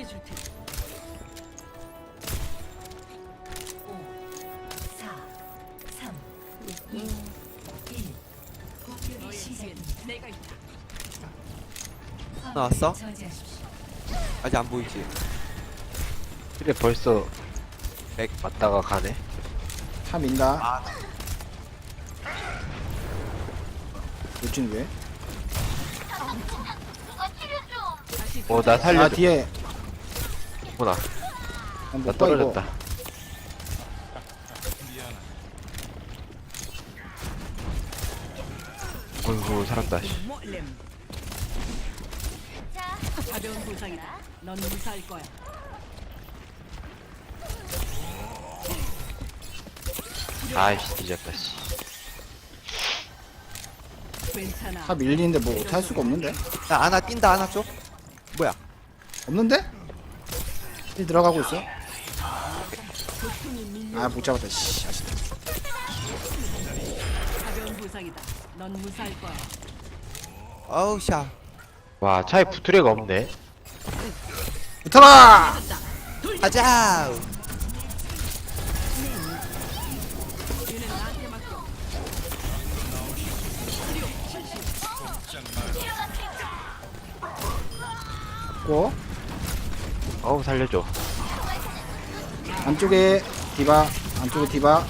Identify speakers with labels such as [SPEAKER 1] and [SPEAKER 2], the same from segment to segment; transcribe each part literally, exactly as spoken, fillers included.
[SPEAKER 1] 지켜줄 테니. 오, 사, 삼, 이, 일. 공격이 시작됩니다. 내가 있다.
[SPEAKER 2] 나왔어?
[SPEAKER 1] 저지하십시오.
[SPEAKER 2] 아직 안 보이지?
[SPEAKER 3] 그래 벌써
[SPEAKER 2] 맥.
[SPEAKER 3] 왔다가 가네.
[SPEAKER 4] 차 민다. 요즘 왜?
[SPEAKER 3] 어 나
[SPEAKER 4] 아
[SPEAKER 3] 살려줘.
[SPEAKER 4] 뒤에
[SPEAKER 3] 구나.
[SPEAKER 4] 아,
[SPEAKER 3] 나
[SPEAKER 4] 못 봐, 이거.
[SPEAKER 3] 떨어졌다. 어이구 살았다. 씨.
[SPEAKER 1] 가벼운 부상이다. 넌 무사할 거야.
[SPEAKER 3] 아이씨 뒤졌다. 씨.
[SPEAKER 1] 괜찮아.
[SPEAKER 4] 차 밀리는데 뭐 어떻게 할 수가 없는데?
[SPEAKER 2] 야 아나 뛴다 아나 쪽. 뭐야?
[SPEAKER 4] 없는데? 일 들어가고 있어. 아 못 잡았다. 씨. 아쉽다.
[SPEAKER 1] 가벼운 부상이다. 넌 무사할 거야.
[SPEAKER 2] 어우 샤.
[SPEAKER 3] 와 차에 부트레가 없네.
[SPEAKER 4] 붙어라.
[SPEAKER 2] 가자.
[SPEAKER 1] 얘는 나한테 맡겨.
[SPEAKER 4] 고
[SPEAKER 3] 어우 살려줘.
[SPEAKER 4] 안쪽에 디바. 안쪽에 디바.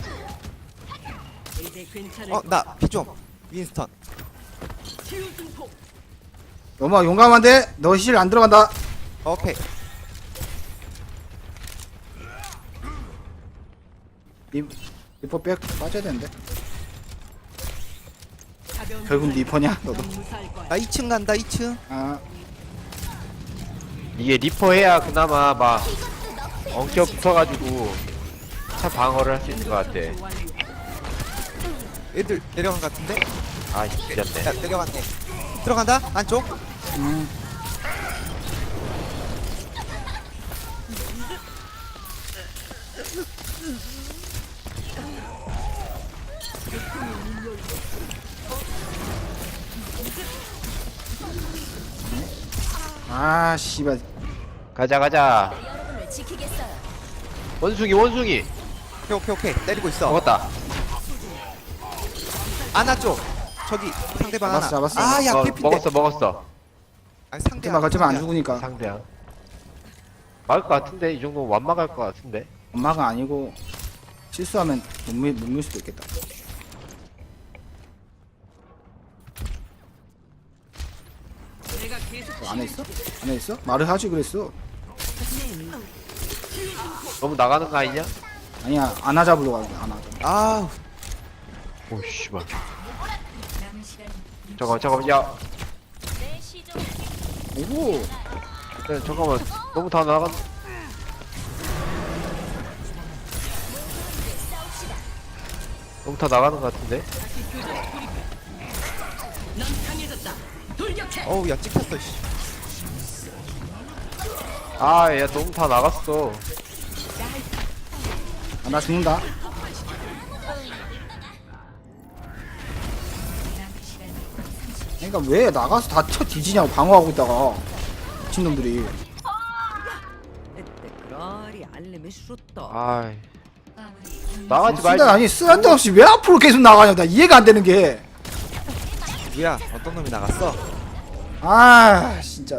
[SPEAKER 1] 이제 괜찮을
[SPEAKER 2] 어 나 피 좀. 윈스턴.
[SPEAKER 1] 치유 증폭.
[SPEAKER 4] 너무 용감한데 너 힐 안 들어간다.
[SPEAKER 2] 오케이.
[SPEAKER 4] 리 리퍼 백 빠져야 되는데.
[SPEAKER 1] 가벼운
[SPEAKER 4] 결국
[SPEAKER 1] 부상이다.
[SPEAKER 4] 리퍼냐 너도.
[SPEAKER 1] 넌 무사할 거야.
[SPEAKER 2] 나 이 층 간다 이 층.
[SPEAKER 4] 아
[SPEAKER 3] 이게 리퍼 해야 그나마 막 엉켜 붙어가지고 차 방어를 할 수 있는 것 같아.
[SPEAKER 1] 완료.
[SPEAKER 2] 애들 내려간 것 같은데?
[SPEAKER 3] 아이씨 뒤졌네.
[SPEAKER 2] 야 내려갔네. 들어간다 안쪽.
[SPEAKER 4] 음. 아 씨발.
[SPEAKER 3] 가자 가자.
[SPEAKER 5] 여러분을 지키겠어요.
[SPEAKER 3] 원숭이 원숭이.
[SPEAKER 2] 오케이 오케이 오케이 때리고 있어.
[SPEAKER 3] 먹었다.
[SPEAKER 2] 아나 쪽. 저기 상대방 하나.
[SPEAKER 4] 잡았어, 잡았어.
[SPEAKER 2] 아야
[SPEAKER 3] 어,
[SPEAKER 2] 필핀데.
[SPEAKER 3] 먹었어 먹었어.
[SPEAKER 2] 아니 상대.
[SPEAKER 4] 하지마 하지마 안 죽으니까.
[SPEAKER 3] 상대야. 막을 것 같은데 이 정도 완막할 것 같은데.
[SPEAKER 4] 엄마가 아니고 실수하면 못밀 수도 있겠다.
[SPEAKER 1] 내가 계속
[SPEAKER 4] 뭐 안에 있어? 안에 있어? 말을 하지 그랬어.
[SPEAKER 3] 너무 나가는 거 아니냐?
[SPEAKER 4] 아니야 안아 잡으러 가야 돼. 안아.
[SPEAKER 2] 아우
[SPEAKER 3] 오 씨발.
[SPEAKER 1] 남은 시간
[SPEAKER 3] 잠깐만 잠깐만 야.
[SPEAKER 5] 내 시종
[SPEAKER 4] 오고.
[SPEAKER 3] 야, 잠깐만 너무 다 나간. 너무 다 나가는 것 같은데.
[SPEAKER 1] 넌 강해졌다. 돌격해.
[SPEAKER 2] 어우 야 찍혔어 씨.
[SPEAKER 3] 아, 야 너무 다 나갔어.
[SPEAKER 4] 아, 나 죽는다. 그러니까 왜 나가서 다 쳐 뒤지냐고 방어하고 있다가 미친놈들이.
[SPEAKER 1] 그러리 알림이 싫었다.
[SPEAKER 3] 아이
[SPEAKER 1] 마무리.
[SPEAKER 3] 나가지
[SPEAKER 4] 쓰다
[SPEAKER 3] 말지.
[SPEAKER 4] 아니 쓸데없이 왜 앞으로 계속 나가냐. 나 이해가 안 되는 게.
[SPEAKER 2] 누구야? 어떤 놈이 나갔어?
[SPEAKER 4] 아 진짜.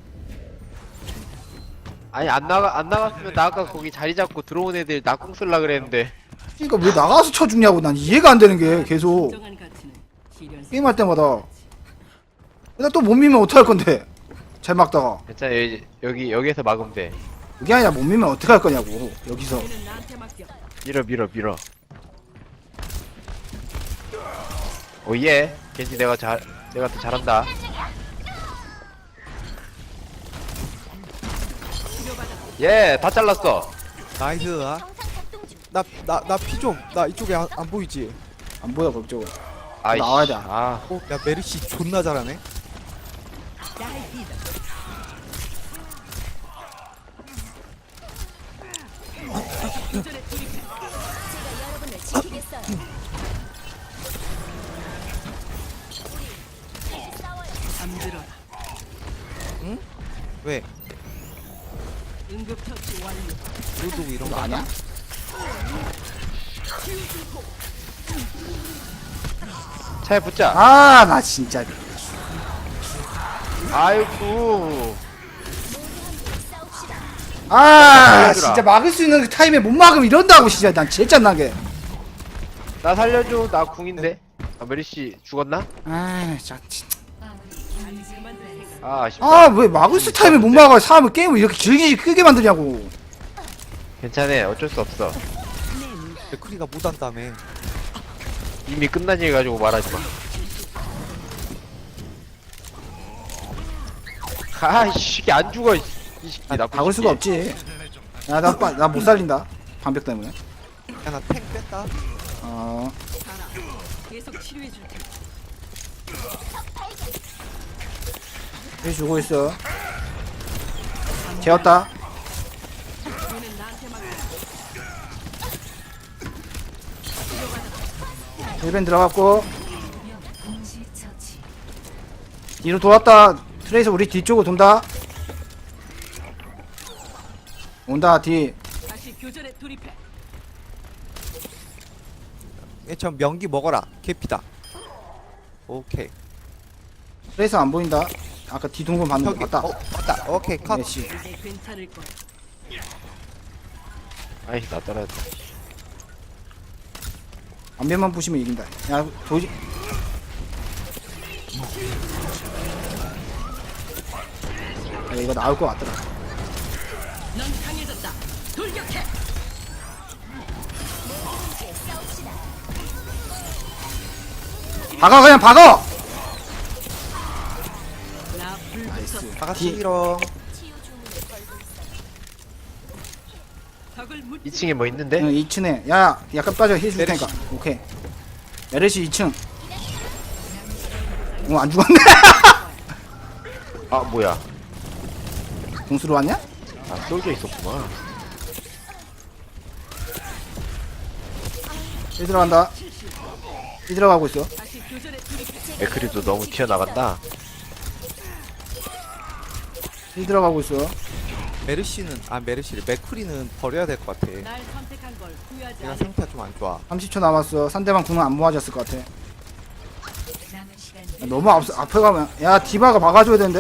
[SPEAKER 3] 아니 안 나가 안 나갔으면 나 아까 거기 자리 잡고 들어온 애들 낙공 쓸라 그랬는데.
[SPEAKER 4] 그러니까 왜 나가서 쳐 죽냐고. 난 이해가 안 되는 게 계속
[SPEAKER 1] 진정한 가치는 실현.
[SPEAKER 4] 게임할 때마다. 나 또 못 밀면 어떡할 건데. 잘 막다가.
[SPEAKER 3] 괜찮아 여기 여기 여기에서 막으면 돼.
[SPEAKER 4] 그게 아니라 못 밀면 어떡할 거냐고. 여기서.
[SPEAKER 1] 얘는 나한테 맡겨.
[SPEAKER 3] 밀어 밀어 밀어. 오예. 겐지 내가 잘 내가 더 잘한다. 예, 다 잘랐어.
[SPEAKER 2] 나이스.
[SPEAKER 5] 정상 작동 중.
[SPEAKER 2] 나 나 나 피 좀. 나 이쪽에 안, 안 보이지?
[SPEAKER 4] 안 보여 그쪽은.
[SPEAKER 3] 아이씨.
[SPEAKER 4] 나와야 돼.
[SPEAKER 3] 아,
[SPEAKER 2] 어, 야 메르시 존나 잘하네.
[SPEAKER 5] 제가 여러분을 지키겠어요. 우리 싸워요.
[SPEAKER 1] 잠들어라.
[SPEAKER 2] 왜?
[SPEAKER 1] 응급처치 완료.
[SPEAKER 2] 로드 이런 거
[SPEAKER 4] 아니야?
[SPEAKER 3] 차에 붙자.
[SPEAKER 4] 아 나 진짜
[SPEAKER 3] 아이고.
[SPEAKER 4] 아
[SPEAKER 3] 얘들아.
[SPEAKER 4] 진짜 막을 수 있는 그 타임에 못 막으면 이런다고 진짜 난 제일 짠나게.
[SPEAKER 3] 나 살려줘. 나 궁인데. 아 메리씨 죽었나?
[SPEAKER 4] 아 진짜
[SPEAKER 3] 아 아쉽다.
[SPEAKER 4] 아 왜 막을 수 타임에 못 막아. 사람을 게임을 이렇게 길게 크게 만드냐고.
[SPEAKER 3] 괜찮아. 어쩔 수 없어.
[SPEAKER 2] 맥크리가 못한다며.
[SPEAKER 3] 이미 끝난 일 가지고 말하지 마. 아이씨 이게 안 죽어 이 새끼.
[SPEAKER 4] 아,
[SPEAKER 3] 나쁜
[SPEAKER 4] 박을 수가
[SPEAKER 3] 새끼.
[SPEAKER 4] 없지. 야나나 못 살린다. 방벽 때문에.
[SPEAKER 2] 야나 탱 뺐다.
[SPEAKER 4] 어
[SPEAKER 1] 가라. 계속 치료해 줄 테니.
[SPEAKER 4] 해 주고 있어. 재웠다.
[SPEAKER 1] 얘는 나한테 맡겨.
[SPEAKER 4] 일 벤 들어갔고 뒤로 돌았다. 트레이서 우리 뒤쪽으로 돈다. 온다 뒤.
[SPEAKER 1] 다시 교전에 돌입해.
[SPEAKER 2] 얘저 명기 먹어라. 개피다. 오케이.
[SPEAKER 4] 트레이서 안 보인다. 아까 뒤 동선 봤는데
[SPEAKER 2] 저기
[SPEAKER 4] 봤다.
[SPEAKER 2] 어 맞다. 오케이 컷.
[SPEAKER 4] 메시.
[SPEAKER 1] 이제 괜찮을 거야.
[SPEAKER 3] 아이씨 나 떨어졌다.
[SPEAKER 4] 안면만 부시면 이긴다. 야 도지. 야, 이거 나올 것 같더라.
[SPEAKER 1] 넌 강해졌다. 돌격해.
[SPEAKER 4] 박아 그냥 박아.
[SPEAKER 1] 나 불붙었어.
[SPEAKER 2] 다가
[SPEAKER 4] 뒤-
[SPEAKER 2] 싫어.
[SPEAKER 5] 치유 주문을 걸고 있어요.
[SPEAKER 1] 적을 묻.
[SPEAKER 3] 이 층에 뭐 있는데?
[SPEAKER 4] 응, 이 층에. 야 약간 빠져 해줄
[SPEAKER 2] 메르시.
[SPEAKER 4] 테니까. 오케이. 메르시 이 층. 어안 죽었네.
[SPEAKER 3] 아 뭐야?
[SPEAKER 4] 공수로 왔냐?
[SPEAKER 3] 아 쏠져 있었구만.
[SPEAKER 4] 이 들어간다. 이 들어가고 있어.
[SPEAKER 1] 다시 교전에 돌입해.
[SPEAKER 3] 맥크리도 너무 튀어나간다.
[SPEAKER 4] 이 들어가고 있어.
[SPEAKER 2] 메르시는 아 메르시를 맥크리는 버려야 될 것 같아.
[SPEAKER 1] 날 선택한 걸 후회하지
[SPEAKER 2] 얘가
[SPEAKER 1] 않을
[SPEAKER 2] 상태가 좀 안 좋아.
[SPEAKER 4] 삼십 초 남았어. 상대방 궁은 안 모아졌을 것 같아. 야, 너무 앞, 앞에 가면 야 디바가 막아줘야 되는데.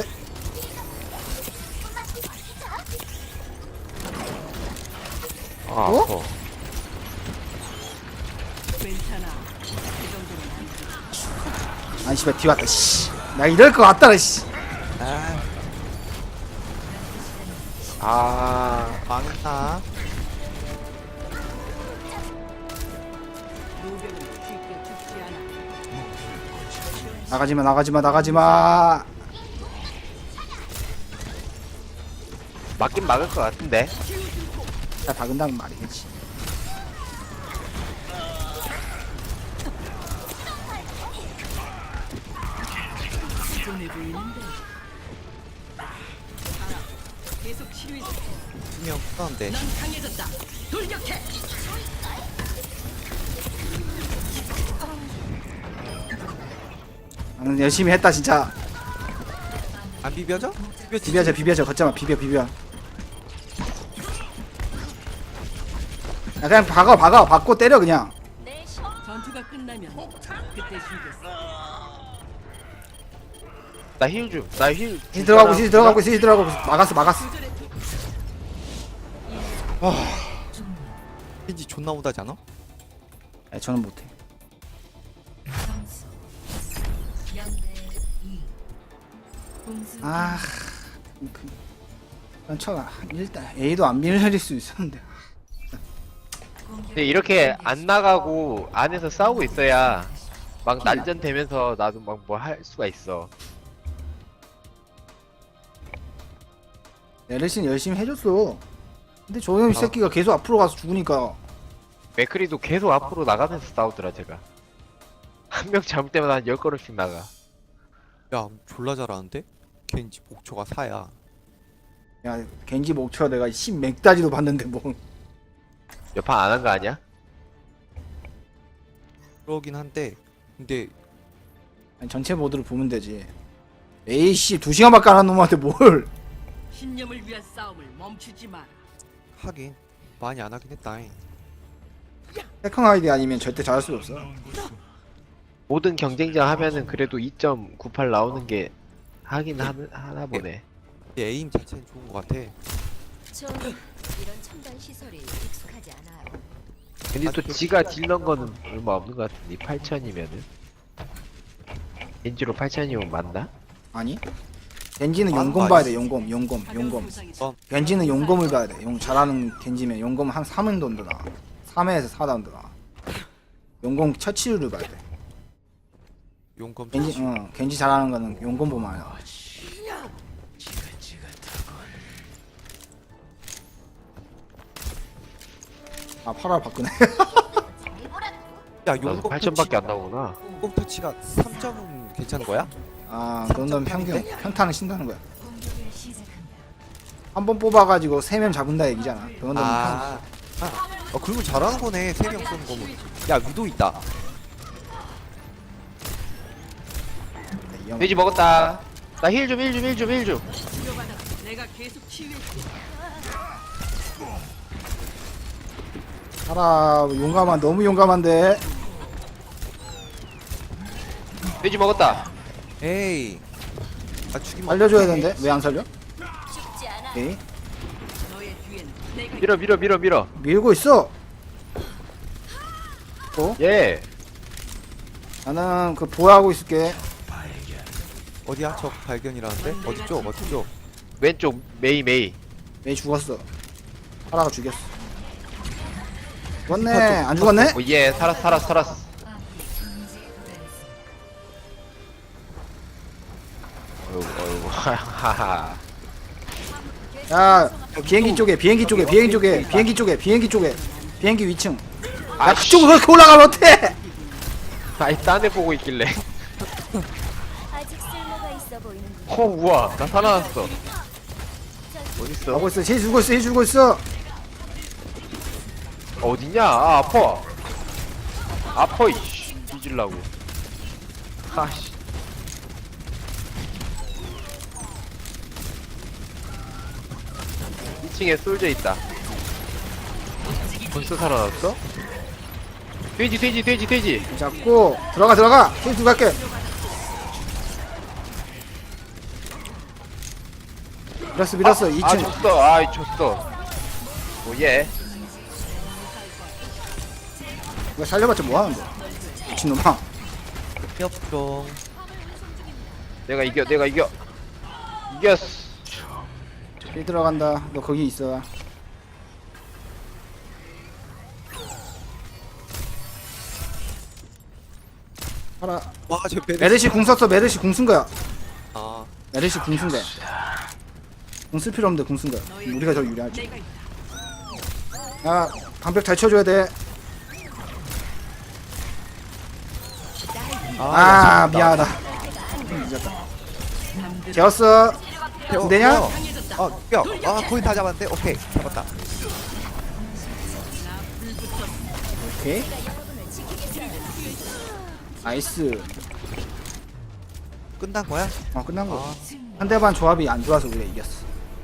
[SPEAKER 3] 아
[SPEAKER 4] 어?
[SPEAKER 3] 아파.
[SPEAKER 1] 괜찮아. 그 정도는 아니지.
[SPEAKER 4] 아니 씨발 뒤 왔다. 씨. 나 이럴 것 같더라. 씨.
[SPEAKER 2] 아
[SPEAKER 3] 아
[SPEAKER 2] 망했다.
[SPEAKER 1] 노병은 쉽게 죽지 않아.
[SPEAKER 4] 나가지마 나가지마 나가지마.
[SPEAKER 3] 맞긴 막을 것 같은데.
[SPEAKER 4] 잘 박은다는 말이겠지.
[SPEAKER 1] 피곤해 보이는데. 가라. 계속 치료해 줄 테니.
[SPEAKER 2] 분명 그런데
[SPEAKER 1] 넌 강해졌다. 돌격해.
[SPEAKER 4] 나는 열심히 했다 진짜.
[SPEAKER 2] 안 비벼져? 비벼
[SPEAKER 4] 비벼져 비벼져 걷자마 비벼 비벼. 야 그냥 박아 박아 박고 때려 그냥.
[SPEAKER 5] 내 시...
[SPEAKER 1] 전투가 끝나면 그때 쉬겠어.
[SPEAKER 3] 나 힐 좀. 나 힐.
[SPEAKER 4] 시 들어가고 시 들어가고 시 들어가고 막았어 막았어.
[SPEAKER 1] 교전에 돌-
[SPEAKER 2] 왠지 존나 못하지 않아?
[SPEAKER 4] 야, 저는 못해. 아, 그, 그냥 쳐. 일단 A도 안 밀릴 수 있었는데.
[SPEAKER 3] 근데 이렇게 안 나가고 안에서 싸우고 있어야 막 난전 되면서 나도 막 뭐 할 수가 있어.
[SPEAKER 4] 에르신 열심히 해줬어. 근데 저놈 새끼가 계속 앞으로 가서 죽으니까.
[SPEAKER 3] 맥크리도 계속 앞으로 나가면서 싸우더라 제가. 한 명 잡을 때마다 한 열 걸음씩 나가.
[SPEAKER 2] 야 졸라 잘하는데? 겐지 목초가 사야.
[SPEAKER 4] 야, 겐지 목표 내가 십 맥다지도 봤는데 뭐.
[SPEAKER 3] 몇 판 안 한 거 아니야?
[SPEAKER 2] 그러긴 한데 근데
[SPEAKER 4] 아니, 전체 모드를 보면 되지. 에이씨 두 시간밖에 안 한 놈한테 뭘.
[SPEAKER 1] 신념을 위한 싸움을 멈추지 마라.
[SPEAKER 2] 하긴 많이 안 하긴 했다.
[SPEAKER 4] 해킹 아이디 아니면 절대 잘할 수가 없어.
[SPEAKER 3] 모든 경쟁자 하면은 그래도 이 점 구팔 나오는 게 하긴 하, 하나 보네.
[SPEAKER 2] 에임 자체는 좋은 것 같아.
[SPEAKER 5] 저는 이런 첨단 시설이 익숙하지 않아요.
[SPEAKER 3] 근데 또 지가 딜런 거는 얼마 없는 것 같은데 팔천이면은 겐지로 팔천이면 맞나?
[SPEAKER 4] 아니? 겐지는
[SPEAKER 2] 아,
[SPEAKER 4] 용검
[SPEAKER 2] 아니.
[SPEAKER 4] 봐야 돼. 용검, 용검,
[SPEAKER 1] 가벼운
[SPEAKER 4] 용검.
[SPEAKER 1] 부상이
[SPEAKER 2] 어.
[SPEAKER 4] 겐지는 용검을 봐야 돼. 용 잘하는 겐지면 용검 한 삼 라운드 나와. 삼 회에서 사 라운드 나와. 용검 처치율을 봐야 돼.
[SPEAKER 2] 용검
[SPEAKER 4] 겐지,
[SPEAKER 2] 자체.
[SPEAKER 4] 어, 겐지 잘하는 거는 용검 보면 알아. 아, 팔월 바꾸네.
[SPEAKER 2] 야
[SPEAKER 3] 나도
[SPEAKER 2] 용검
[SPEAKER 3] 팔천밖에 안 나오구나.
[SPEAKER 2] 용검 터치가 삼 점은 괜찮은 거야?
[SPEAKER 4] 아, 그 정도면 평균,
[SPEAKER 2] 삼점팔인데?
[SPEAKER 4] 평타는 신다는 거야. 한 번 뽑아가지고 세 명 잡은다 얘기잖아. 그 정도면
[SPEAKER 2] 아, 아, 어 그리고 잘하는 거네. 세 명 쏘는 거면. 야 위도 있다.
[SPEAKER 4] 평균.
[SPEAKER 3] 돼지 먹었다. 나 힐 좀 힐 좀 힐 좀 힐 좀.
[SPEAKER 1] 치료받아. 내가 계속 치유해줄게.
[SPEAKER 4] 살아, 용감한, 너무 용감한데.
[SPEAKER 3] 돼지 먹었다.
[SPEAKER 2] 에이. 아 죽이면
[SPEAKER 4] 살려줘야
[SPEAKER 2] 어떡해.
[SPEAKER 4] 되는데 왜 안 살려?
[SPEAKER 5] 죽지 않아.
[SPEAKER 4] 오케이.
[SPEAKER 1] 너의 뒤엔 내가
[SPEAKER 3] 밀어 밀어 밀어 밀어.
[SPEAKER 4] 밀고 있어. 또
[SPEAKER 3] 예.
[SPEAKER 4] 나는 그 보호하고 있을게.
[SPEAKER 2] 어디야? 적 발견이라는데? 어디죠? 어디죠?
[SPEAKER 3] 왼쪽 메이 메이.
[SPEAKER 4] 왜 죽었어? 하라가 죽였어. 죽었네. 안 죽었네?
[SPEAKER 3] 오 예. 살았 살았 살았어. 어이구 어이구 하하.
[SPEAKER 4] 야, 저 비행기 쪽에, 비행기 쪽에, 비행기 쪽에, 비행기 쪽에, 비행기 쪽에, 비행기 위층. 야, 그쪽으로 그렇게 올라가면 어때?
[SPEAKER 3] 아이 딴애 보고 있길래.
[SPEAKER 5] 아직 쓸모가 있어 보이는 군.
[SPEAKER 3] 어 우와 나 살아났어. 어딨어?
[SPEAKER 4] 하고 있어. 쟤 죽고 있어. 쟤 죽고 있어.
[SPEAKER 3] 어디냐? 아 아파. 아파 이씨. 뒤질라고. 아씨. 이 층에 솔져 있다. 벌써 살아났어? 돼지 돼지 돼지 돼지.
[SPEAKER 4] 잡고 들어가 들어가. 쟤 들어갈게. 밀었어 밀었어.
[SPEAKER 3] 아,
[SPEAKER 4] 이
[SPEAKER 3] 아
[SPEAKER 4] 층.
[SPEAKER 3] 졌어. 아 졌어. 오예.
[SPEAKER 4] 이거 살려봤자 뭐 하는데? 미친놈아.
[SPEAKER 2] 협종.
[SPEAKER 3] 내가 이겨 내가 이겨. 이겼어.
[SPEAKER 4] 일 들어간다. 너 거기 있어. 하라.
[SPEAKER 2] 와저 베르.
[SPEAKER 4] 메르시 궁 썼어. 메르시 궁 쓴 거야.
[SPEAKER 2] 아
[SPEAKER 4] 메르시 궁 쓴 거야. 궁 쓸 필요 없는데 궁 쓴 거야. 우리가 더 유리하지.
[SPEAKER 1] 내가 있다.
[SPEAKER 4] 야, 방벽 잘 쳐줘야 돼. 아, 미안하다. 늦었다. 재웠어.
[SPEAKER 2] 태워,
[SPEAKER 4] 되냐?
[SPEAKER 2] 태워. 어, 뼈. 아, 거의 다 잡았는데. 오케이, 잡았다.
[SPEAKER 4] 오케이. 나이스.
[SPEAKER 2] 끝난 거야?
[SPEAKER 4] 어, 끝난 거.
[SPEAKER 2] 아,
[SPEAKER 4] 상대방 조합이 안 좋아서 우리가 이겼어.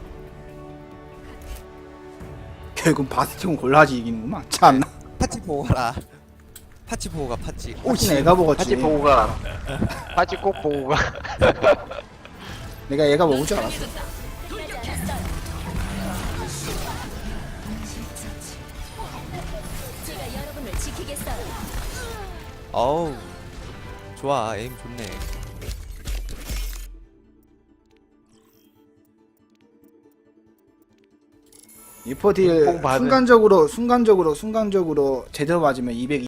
[SPEAKER 4] 결국 바스티온 골라지 이기는구만. 참나.
[SPEAKER 2] 파치 보호라. 파치 보호가 파치.
[SPEAKER 4] 오씨, 내가 먹었지.
[SPEAKER 3] 파치 보고 가. 파치 꼭 보고 가.
[SPEAKER 4] 내가 얘가 먹을 줄 알았어.
[SPEAKER 5] 제가 여러분을 지키겠어요.
[SPEAKER 2] 어우, 좋아. 에임 좋네.
[SPEAKER 4] 리포딜
[SPEAKER 3] 뽕 받은-
[SPEAKER 4] 순간적으로 순간적으로 순간적으로 제대로 맞으면 이백